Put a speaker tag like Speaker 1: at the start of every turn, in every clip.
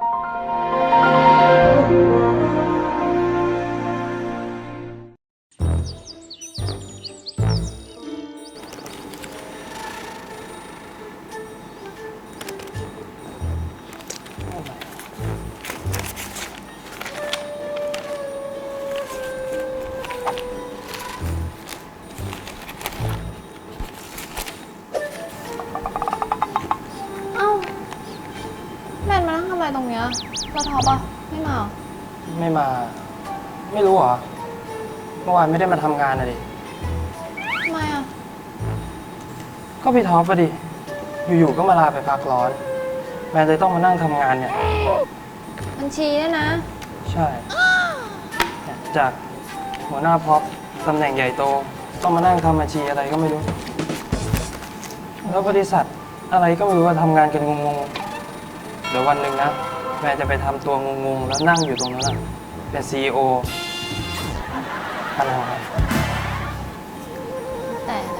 Speaker 1: ตรงเนี้ยเราท็อปอ่ะไม่มา
Speaker 2: ไม่มาไม่รู้เหรอเมื่อวานไม่ได้มาทำงานอะดิ
Speaker 1: ทำไมอ่ะ
Speaker 2: ก็พี่ท็อปอะดิอยู่ๆก็มาลาไปพักร้อนแมนเลยต้องมานั่งทำงานเนี่ย
Speaker 1: บัญชีเนี่ยนะ
Speaker 2: ใช่จากหัวหน้าพ็อปตำแหน่งใหญ่โตต้องมานั่งทำบัญชีอะไรก็ไม่รู้แล้วบริษัทอะไรก็ไม่รู้ว่าทำงานกันงงๆเดี๋ยววันหนึ่งนะแม่จะไปทำตัวงงๆแล้วนั่งอยู่ตรงนั้นนะเป็น CEO อะไรวะ
Speaker 1: แต่อะไร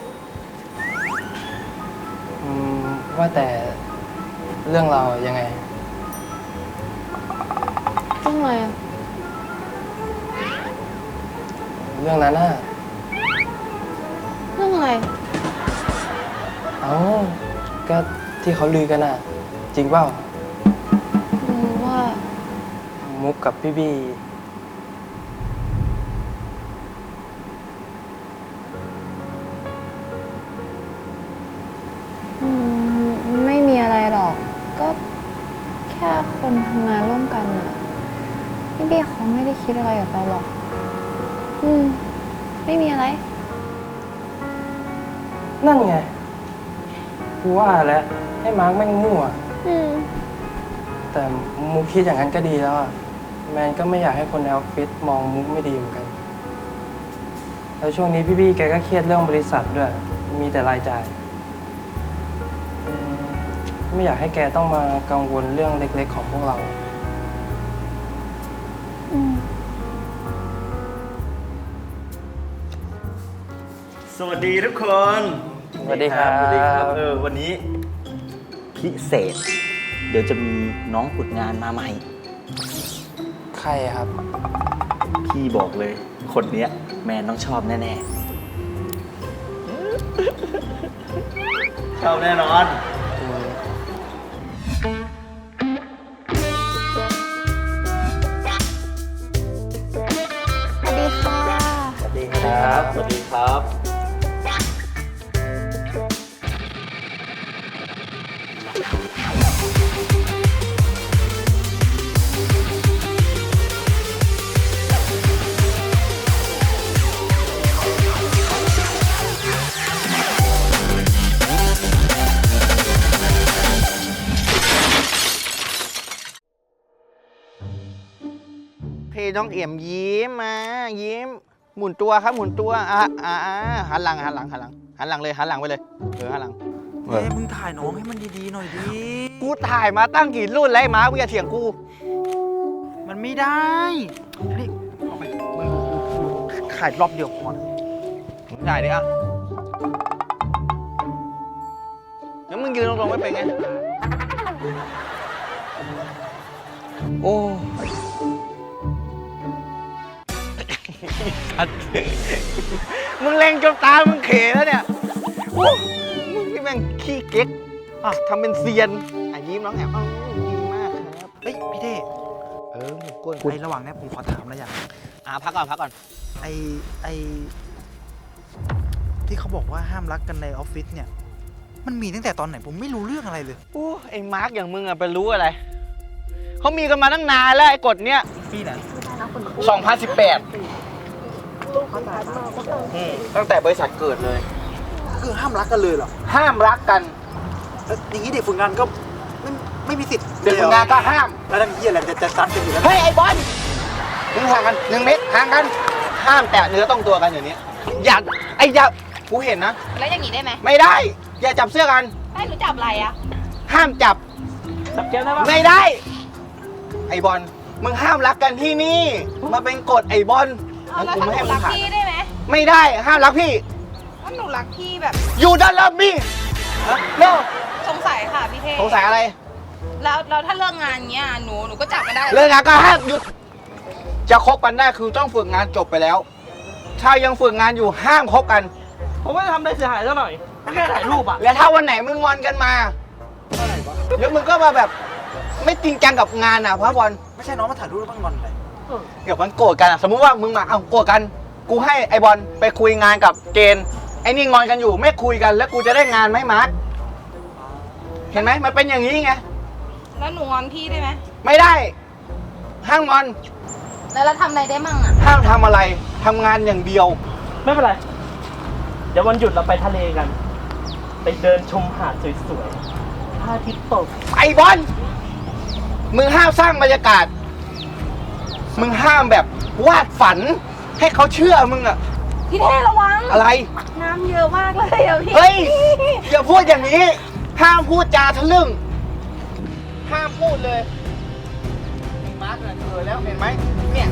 Speaker 2: ว่าแต่เรื่องเรายังไง
Speaker 1: เรื่องอะไรอ่ะ
Speaker 2: เรื่องนั้นน่ะ
Speaker 1: เรื่องอะไร
Speaker 2: เอ้าก็ที่เขาลือกันน่ะจริงเปล่า
Speaker 1: รู้ว่า
Speaker 2: มุกกับพี่บี
Speaker 1: ไม่มีอะไรหรอกก็แค่คนทำงานร่วมกันอ่ะพี่บี้เขาไม่ได้คิดอะไรกับเราหรอกไม่มีอะไร
Speaker 2: นั่นไงกูว่าแล้วให้มาร์กแม่งมั่วแต่มุกคิดอย่างนั้นก็ดีแล้วอะแมนก็ไม่อยากให้คนในออฟฟิศมองมุกไม่ดีเหมือนกันแล้วช่วงนี้พี่บี้แกก็เครียดเรื่องบริษัทด้วยมีแต่รายจ่ายไม่อยากให้แกต้องมากังวลเรื่องเล็กๆของพวกเรา
Speaker 3: สวัสดีทุกคน
Speaker 2: สวัสดีครับ
Speaker 3: วันนี้พิเศษเดี๋ยวจะมีน้องฝึกงานมาใหม่
Speaker 2: ใครครับ
Speaker 3: พี่บอกเลยคนเนี้ยแมนต้องชอบแน่ๆชอบแน่นอน
Speaker 1: สวัสดีค่ะ
Speaker 2: สวัสดีครับ
Speaker 3: สวัสดีครับ
Speaker 4: น้องเอี่ยมยิ้มมายิ้มหมุนตัวครับหมุนตัวหันหลังเลยหันหลังไปเลยหันหลัง
Speaker 3: มึงถ่ายน้องให้มันดีๆหน่อยดิ
Speaker 4: กูถ่ายมาตั้งกี่รุ่นแล้วมามึงอย่าเถียงกู
Speaker 3: มันไม่ได้
Speaker 4: นี่เอาไปมึงถ่ายรอบเดียวพอมึงถ่ายดิอ่ะแล้วมึงยืนตรงๆไม่เป็นไงโอ้มึงเล็งจนตามึงเขแล้วเนี่ยมึงนี่แม่งขี้เก๊กทำเป็นเซียนยิ้มน้องแอบดีมากครับ
Speaker 3: เฮ้ยพี่เท่
Speaker 4: หมูก้น
Speaker 3: ไอระหว่างนี้ผมขอถามอะไรอย่าง
Speaker 4: พักก่อน
Speaker 3: ไอที่เขาบอกว่าห้ามรักกันในออฟฟิศเนี่ยมันมีตั้งแต่ตอนไหนผมไม่รู้เรื่องอะไรเลย
Speaker 4: ไอ้มาร์กอย่างมึงไปรู้อะไรเขามีกันมาตั้งนานแล้วไอ้กฎเนี้ย
Speaker 3: ปีไหน
Speaker 4: 2018ตั้งแต่บริษัทเกิดเลย
Speaker 3: คือห้ามรักกันเลยเหรอ
Speaker 4: ห้ามรักกัน
Speaker 3: อย่างนี้เด็กฝึกงานก็ไม่มีสิทธิ์
Speaker 4: เด็กฝึกงานก็ห้าม
Speaker 3: แล้วนั่นยี่อะไรจะซัดกันอยู่แล้ว
Speaker 4: เฮ้ยไอ้บอลมึงห่างกัน1 เมตรห่างกันห้ามแตะเนื้อต้องตัวกันอย่างนี้อย่ากูเห็นนะ
Speaker 1: แล้วอย่างนี้ได้ไหม
Speaker 4: ไม่ได้อย่าจับเสื้อกัน
Speaker 1: ไม่รู้จับอะไรอ่ะ
Speaker 4: ห้ามจับ
Speaker 3: แก้มได้ปะ
Speaker 4: ไม่ได้ไอ้บอลมึงห้ามรักกันที่นี่มาเป็นกฎไอ้บอล
Speaker 1: แล้วหนูรักพี่ได้ไหม
Speaker 4: ไม่ได้ห้ามรักพี่
Speaker 1: ว่าหนูรักพี่แบบ
Speaker 4: อยู่ด้านล่างมี่โน่
Speaker 1: สงสัยค่ะพี่เท
Speaker 4: สงสัยอะไร
Speaker 5: แล้วถ้าเลิกงานเงี้ยหนูก็จับไม่ได้
Speaker 4: เลิกงานก็ห้ามหยุด จะคบกันได้คือต้องฝึกงานจบไปแล้ว ถ้ายังฝึกงานอยู่ห้ามคบกัน
Speaker 2: ผมไม่ได้ทำอะไรเสียหายซะหน่อยแค่ถ่ายรูปอะ
Speaker 4: แล้วถ้าวันไหนมึงงอนกันมาแล้วมึงก็มาแบบไม่จริงจังกับงานอ่ะพระบอล
Speaker 3: ไม่ใช่น้องมาถ่ายรูปแล้วมันงอนอะไร
Speaker 4: เดี๋ยวมันโกรธกันอะสมมุติว่ามึงมาเอาโกรธกัน กูให้ไอบอลไปคุยงานกับเจนไอ้นี่งอนกันอยู่ไม่คุยกันแล้วกูจะได้งานไหมมาร์คเห็นไหมมันเป็นอย่างนี้ไง
Speaker 5: แล้วหนูงอนพี่ได้ไหม
Speaker 4: ไม่ได้ห้ามงอน
Speaker 5: แล้วเราทำอะไรได้มั่งอ่ะ
Speaker 4: ห้ามทำอะไรทำงานอย่างเดียว
Speaker 2: ไม่เป็นไร เดี๋ยววันหยุดเราไปทะเลกัน ไปเดินชมหาดสวยๆพระอาทิตย์ตก
Speaker 4: ไอบอลมึงห้ามสร้างบรรยากาศ มึงห้ามแบบวาดฝัน ให้เขาเชื่อมึงอะ
Speaker 5: พี่เท่ระวัง
Speaker 4: อะไร
Speaker 5: น้ำเยอะมากเลยอ่ะพี่
Speaker 4: เฮ้ย อย่าพูดอย่างนี้ ห้ามพูดจาทะลึ่ง ห้ามพูดเลยมาร์คเนี่ยแล้วเห็นไหมเนี่ย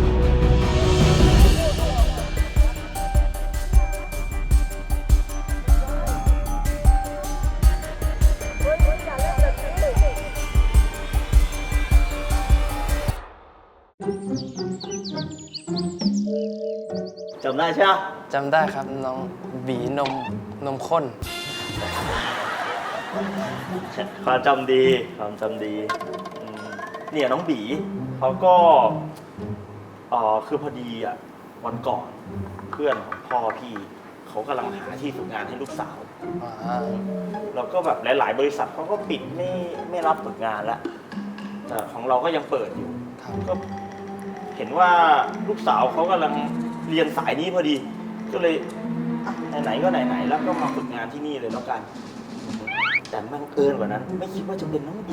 Speaker 3: จำได้ใช่ไหม
Speaker 2: จำได้ครับน้องบีนมข้น
Speaker 3: ความจำดีความจำดีเนี่ยน้องบีเขาก็คือพอดีอ่ะวันก่อนเพื่อนของพ่อพี่เขากำลังหาที่ฝึกงานให้ลูกสาวแล้วก็แบบหลายๆ บริษัทเขาก็ปิดไม่รับฝึกงานแล้วแต่ของเราก็ยังเปิดอยู่ก็เห็นว่าลูกสาวเขากำลังเรียนสายนี้พอดี ก็เลยอ่ะไหนๆก็ไหนๆแล้วก็มาฝึกงานที่นี่เลยแล้วกัน แต่บังเอิญกว่านั้น ไม่คิดว่าจะเป็นน้องบี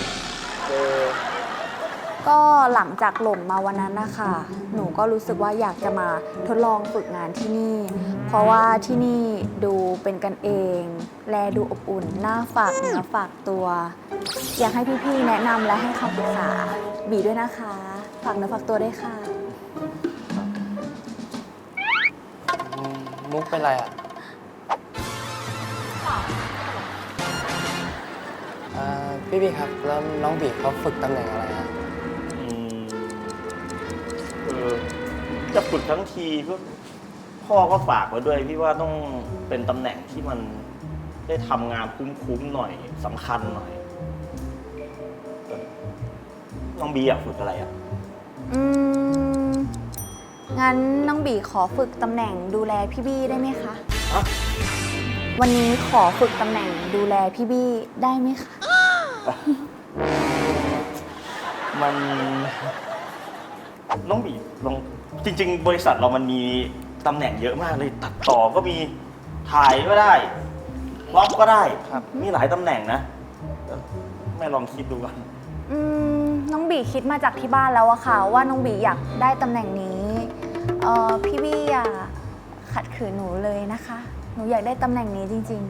Speaker 1: ก็หลังจากหล่นมาวันนั้นนะคะหนูก็รู้สึกว่าอยากจะมาทดลองฝึกงานที่นี่ เพราะว่าที่นี่ดูเป็นกันเอง แลดูอบอุ่นน่าฝากเนื้อฝากตัว อยากให้พี่ๆแนะนำและให้คำปรึกษาบีด้วยนะคะ ฝากเนื้อฝากตัวด้วยค่ะ
Speaker 2: มุกเป็นไรอ่ะพี่ครับ แล้วน้องบีเขาฝึกตำแหน่งอะไรอ่ะ
Speaker 3: จะฝึกทั้งทีก็พ่อก็ฝากไว้ด้วยพี่ว่าต้องเป็นตำแหน่งที่มันได้ทำงานคุ้มๆหน่อยสำคัญหน่อยน้องบีอยากฝึกอะไรอ่ะ
Speaker 1: งั้นน้องบีขอฝึกตำแหน่งดูแลพี่บี้ได้ไหมคะ
Speaker 3: ฮะ
Speaker 1: วันนี้ขอฝึกตำแหน่งดูแลพี่บี้ได้ไหมคะ
Speaker 3: มันน้องบีลองจริง ๆ บริษัทเรามันมีตำแหน่งเยอะมากเลยตัดต่อก็มีถ่ายก็ได้ล็อกก็ได้ครับมีหลายตำแหน่งนะแม่ลองคิดดูกัน
Speaker 1: น้องบีคิดมาจากที่บ้านแล้วอะค่ะว่าน้องบีอยากได้ตำแหน่งนี้พี่บี้อย่าขัดขืนหนูเลยนะคะ หนูอยากได้ตำแหน่งนี้จริง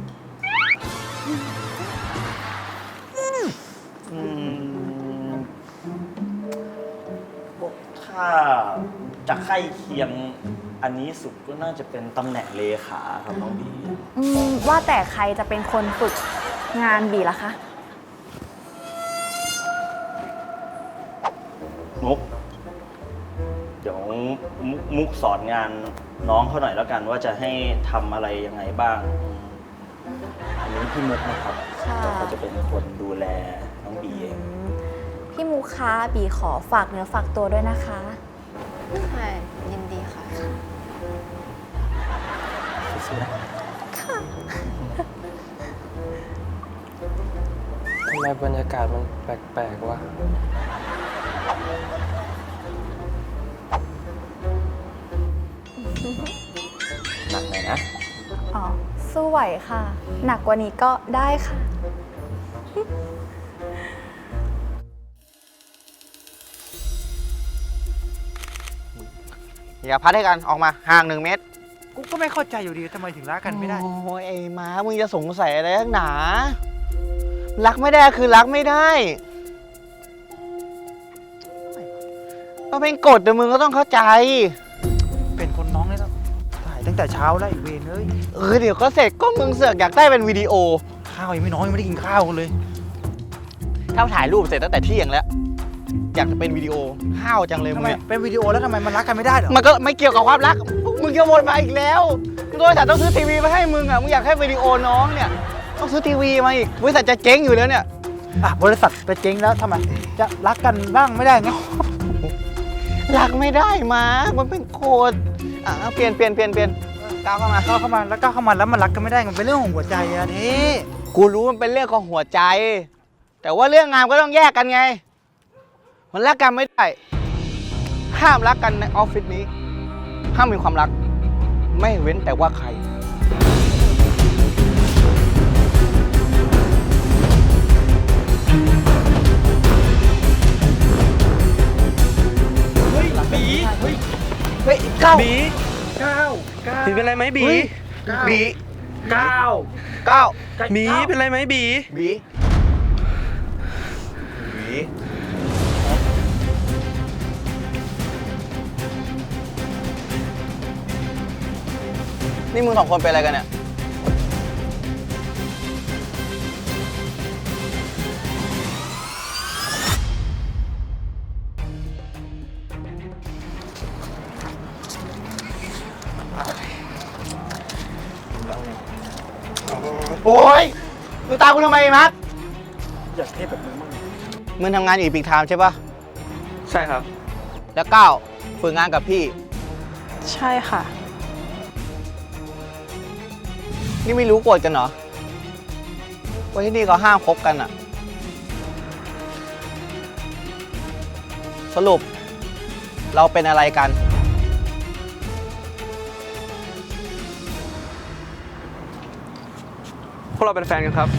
Speaker 1: ๆ
Speaker 3: ถ้าจะใกล้เคียงอันนี้สุดก็น่าจะเป็นตำแหน่งเลขาครับน้องบี
Speaker 1: ว่าแต่ใครจะเป็นคนฝึกงานบีล่ะคะ
Speaker 3: มุกเดี๋ยวมุกสอนงานน้องเขาหน่อยแล้วกันว่าจะให้ทำอะไรยังไงบ้าง อันนี้พี่มุกนะครับ
Speaker 1: ค่ะ
Speaker 3: เขาจะเป็นคนดูแลน้องบีเอง
Speaker 1: พี่มูคะบีขอฝากเนื้อฝากตัวด้วยนะคะ
Speaker 6: ใช่ยินดีค่ะ
Speaker 3: สู้ๆนะ
Speaker 2: ทำไมบรรยากาศมันแปลกๆวะ
Speaker 3: หนักหน่อยนะ
Speaker 1: อ๋อ สู้ไหวค่ะ หนักกว่านี้ก็ได้ค่ะ
Speaker 4: อย่าพัดให้กันออกมาห่าง1 เมตร
Speaker 7: กูก็ไม่เข้าใจอยู่ดีทำไมถึงรักกันไม่ได้
Speaker 4: โอ้ยไอ้ม้ามึงจะสงสัยอะไรนักหนา รักไม่ได้คือรักไม่ได้ก็เป็นกฎแต่มึงก็ต้องเข้าใจ
Speaker 7: เป็นคนน้องเลยแล้วถ่ายตั้งแต่เช้าแล้วไอีเวนเอ้ย
Speaker 4: เดี๋ยวก็เสร็จก็มึงเสือกอยากได้เป็นวิดีโอ
Speaker 7: ข้าวยังไม่น้อยยังไม่ได้กินข้าวกันเลย
Speaker 4: ถ้าถ่ายรูปเสร็จตั้งแต่เที่ยงแล้ว อยากจะเป็นวิดีโอห้าวจังเลย
Speaker 7: ทำ
Speaker 4: มึง
Speaker 7: ไม
Speaker 4: เนี่ย
Speaker 7: เป็นวิดีโอแล้วทำไมมันรักกันไม่ได้เหรอ
Speaker 4: มันก็ไม่เกี่ยวกับความรัก มึงจะวนมาอีกแล้วบริษัทต้องซื้อทีวีมาให้มึงอ่ะ มึงอยากให้วิดีโอน้องเนี่ย ต้องซื้อทีวีมาอีก บริษัทจะเจ๊งอยู่แล้วเนี่ย
Speaker 7: อ่ะบริษัทไปเจ๊งแล้วทำไม จะรักกันบ้างไม่ได้ไง
Speaker 4: รักไม่ได้มามันเป็นโคดเปลี่ยนก้าวเข้ามา
Speaker 7: ก้าวเข้ามาแล้วก้าวเข้ามาแล้วมันรักกันไม่ได้มันเป็นเรื่องของหัวใจอะนี่
Speaker 4: กูรู้มันเป็นเรื่องของหัวใจ แต่ว่าเรื่องงานก็ต้องแยกกันไง มันรักกันไม่ได้ ห้ามรักกันในออฟฟิศนี้ ห้ามมีความรัก ไม่เว้นแต่ว่าใคร เฮ้ยบีเฮ้ยก้าวบีบีเป็นไรไหมบีบีก้าวบีเป็นไรไหมบีบีนี่มึงสองคนเป็นอะไรกันเนี่ย โอ้ยมึงตามกูทำไมมัดอยากเทพแบบมึงมั่งมึงทำงานอยู่อีพิกไทม์ใช่ปะ
Speaker 2: ใช่ครับ
Speaker 4: แล้วก้าวฝึกงานกับพี่
Speaker 5: ใช่ค่ะ
Speaker 4: นี่ไม่รู้กฎกันเหรอว่าที่นี่เขาห้ามคบกันอะสรุป เราเป็นอะไรกัน
Speaker 2: พวกเราเป็นแฟนกันครับ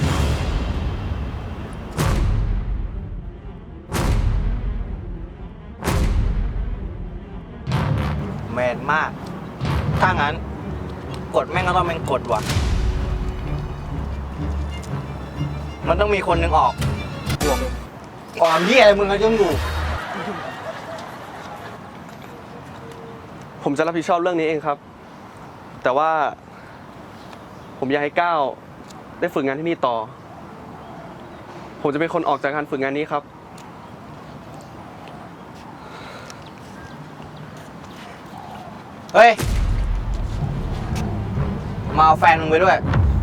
Speaker 4: แมนมาก ถ้างั้น กฎแม่งก็ต้องเป็นกฎว่ะ มันต้องมีคนหนึ่งออกออกเหี้ยอะไรมึงก็ยังอยู่
Speaker 8: ผมจะรับผิดชอบเรื่องนี้เองครับ แต่ว่าผมอยากให้ก้าวได้ฝึกงานที่นี่ต่อ ผมจะเป็นคนออกจากการฝึกงานนี้ครับ
Speaker 4: เฮ้ย มาเอาแฟนมึงไปด้วย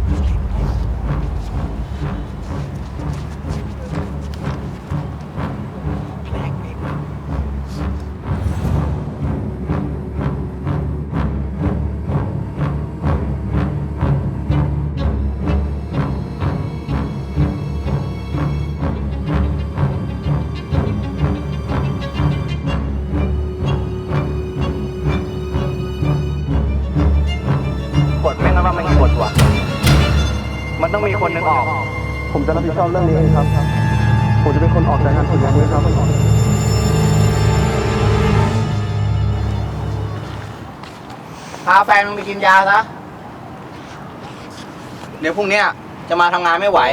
Speaker 4: กฎแม่งก็ต้องเป็นกฎว่ะ มันต้องมีคนหนึ่งออก
Speaker 8: ผมจะรับผิดชอบเรื่องนี้เองครับ ผมจะเป็นคนออกจากการฝึกงานนี้ครับ
Speaker 4: พาแฟนมึงไปกินยาซะ เดี๋ยวพรุ่งนี้จะมาทำงานไม่ไหว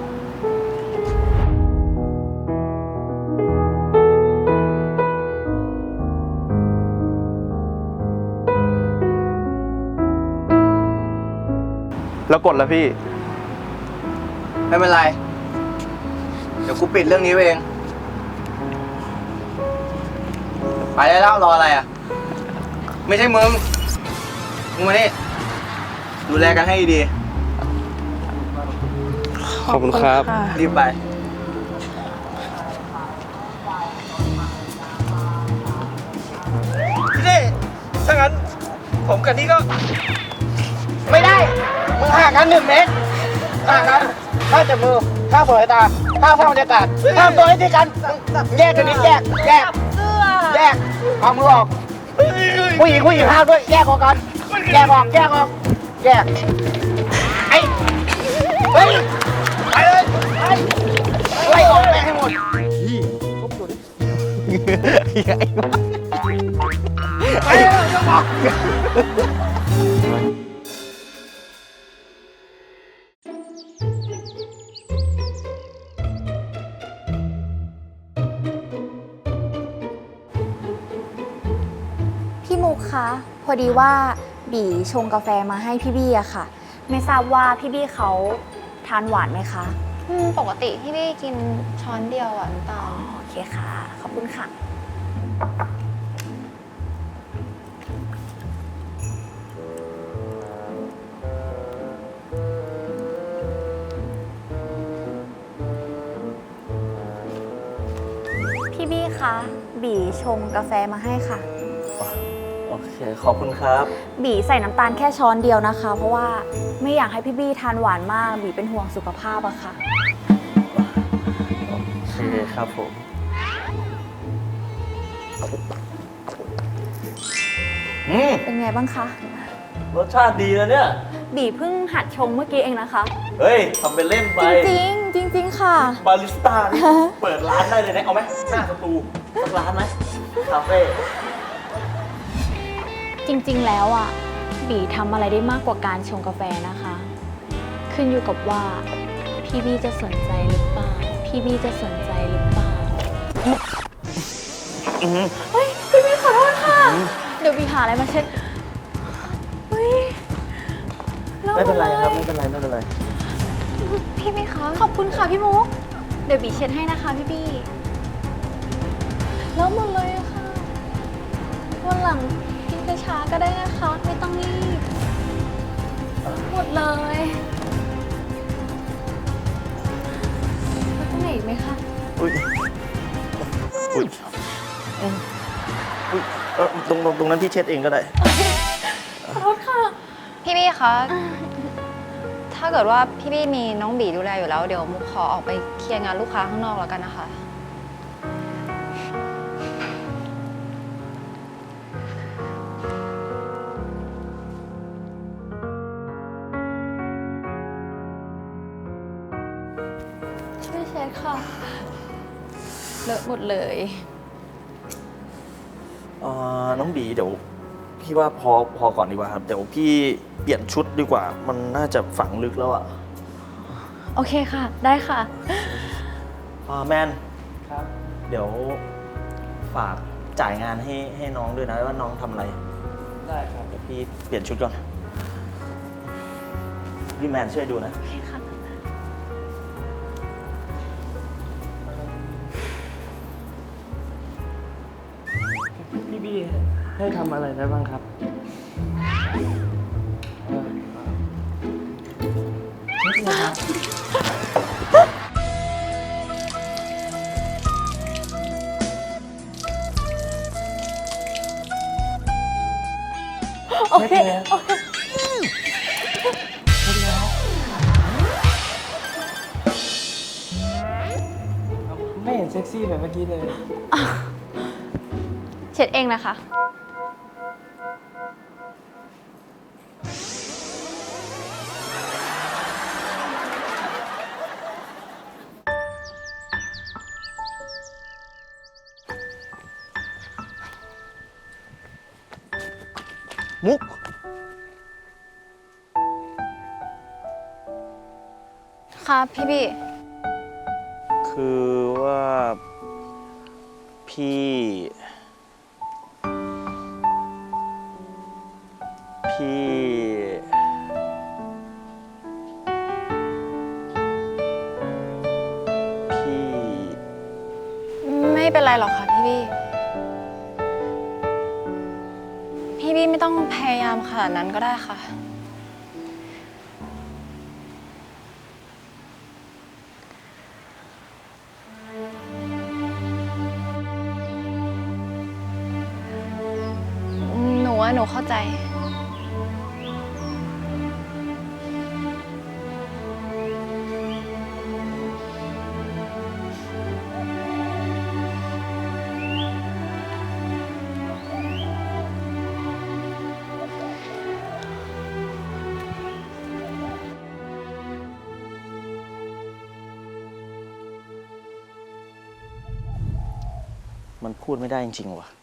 Speaker 8: แล้วกดแล้วพี่
Speaker 4: ไม่เป็นไร เดี๋ยวกูปิดเรื่องนี้เอง ไปได้แล้วรออะไรอ่ะ ไม่ใช่มึง มึงมานี่ ดูแลกันให้ดี
Speaker 8: ขอบคุณครับ
Speaker 4: ๆรีบไป
Speaker 2: พี่เต้ถ้างั้น ผมกับนี่ก็
Speaker 4: ไม่ได้ มึงห่างกัน1 เมตรห่างกันข้ามจับมือข้ามสายตาข้ามบรรยากาศข้ามตัวให้ที่กัน แยกกันนิดแยกเอามือออก ผู้หญิงห้ามด้วย แยกออกกัน แยกออก แยก ไอ้เฮ้ยไปเลยไล่ออกแม่งให้หมดไปเลยจะบอก
Speaker 1: พี่มุกคะ พอดีว่าบีชงกาแฟมาให้พี่บี้อะค่ะ ไม่ทราบว่าพี่บี้เขาทานหวานไหมคะ
Speaker 6: ปกติพี่บี้กินช้อนเดียวอ่ะน้ำตาล
Speaker 1: โอเคค่ะ ขอบคุณค่ะ พี่บี้คะ บีชงกาแฟมาให้ค่ะ
Speaker 3: โอเค ขอบคุณครับ
Speaker 1: บีใส่น้ำตาลแค่ช้อนเดียวนะคะ เพราะว่าไม่อยากให้พี่บี้ทานหวานมาก บีเป็นห่วงสุขภาพอะค่ะ
Speaker 3: โอเคครับผม
Speaker 1: เป็นไงบ้างคะ
Speaker 3: รสชาติดีนะเนี่ย
Speaker 1: บีเพิ่งหัดชงเมื่อกี้เองนะคะ
Speaker 3: เฮ้ยทำเป็นเล่นไป
Speaker 1: จริงๆค่ะ
Speaker 3: บาริสต้านี่เปิดร้านได้เลยนะ เอาไหมหน้าสตูสักร้านไหมคาเฟ่
Speaker 1: จริงๆ แล้วอ่ะ บีทำอะไรได้มากกว่าการชงกาแฟนะคะ ขึ้นอยู่กับว่า พี่บี้จะสนใจหรือเปล่า พี่บี้จะสนใจหรือเปล่า เฮ้ย พี่บี้ขอโทษค่ะ เดี๋ยวบีหาอะไรมาเช็ด เฮ้ย
Speaker 3: ไม่เป็นไรครับ ไม่เป็นไร ไม่เป็นไร
Speaker 1: พี่บี้คะขอบคุณค่ะพี่มุก เดี๋ยวบีเช็ดให้นะคะพี่บี้แล้วหมดเลยอะค่ะ วันหลังกินช้าๆก็ได้นะคะ ไม่ต้องรีบ หมดเลยแล้วตรงไหนอีกไหมคะ
Speaker 3: อุ้ย อุ้ยอุ้ยตรงนั้นพี่เช็ดเองก็ได้
Speaker 1: ขอโทษค่ะ
Speaker 6: พี่บี้คะ ถ้าเกิดว่าพี่บี้มีน้องบีดูแลอยู่แล้ว เดี๋ยวมุกขอออกไปเคลียร์งานลูกค้าข้างนอกแล้วกันนะคะ
Speaker 1: ช่วยเช็ดค่ะ เลอะหมดเลย
Speaker 3: น้องบีเดี๋ยวพี่ว่าพอก่อนดีกว่าครับ เดี๋ยวพี่เปลี่ยนชุดดีกว่า มันน่าจะฝังลึกแล้วอะ
Speaker 1: โอเคค่ะ ได้ค่ะ
Speaker 3: แมน
Speaker 2: ครับ
Speaker 3: เดี๋ยวฝากจ่ายงานให้น้องด้วยนะว่าน้องทำอะไร
Speaker 2: ได้ครับ
Speaker 3: เดี๋ยวพี่เปลี่ยนชุดก่อน พี่แมนช่วยดูนะ
Speaker 1: โอเคค่ะ
Speaker 2: พี่บี้ให้ทำอะไรได้บ้างครับเช็ดเลยครับ
Speaker 1: โอเค โอเค
Speaker 2: ไม่เห็นเซ็กซี่แบบเมื่อกี้เลย
Speaker 1: เช็ดเองนะคะ
Speaker 4: มุก
Speaker 6: ค่ะพี่บี้
Speaker 3: คือว่าพี่
Speaker 6: ไม่เป็นไรหรอกค่ะพี่บี้ พี่บี้ไม่ต้องพยายามขนาดนั้นก็ได้ค่ะ หนูเข้าใจ
Speaker 3: มันพูดไม่ได้จริงๆว่ะ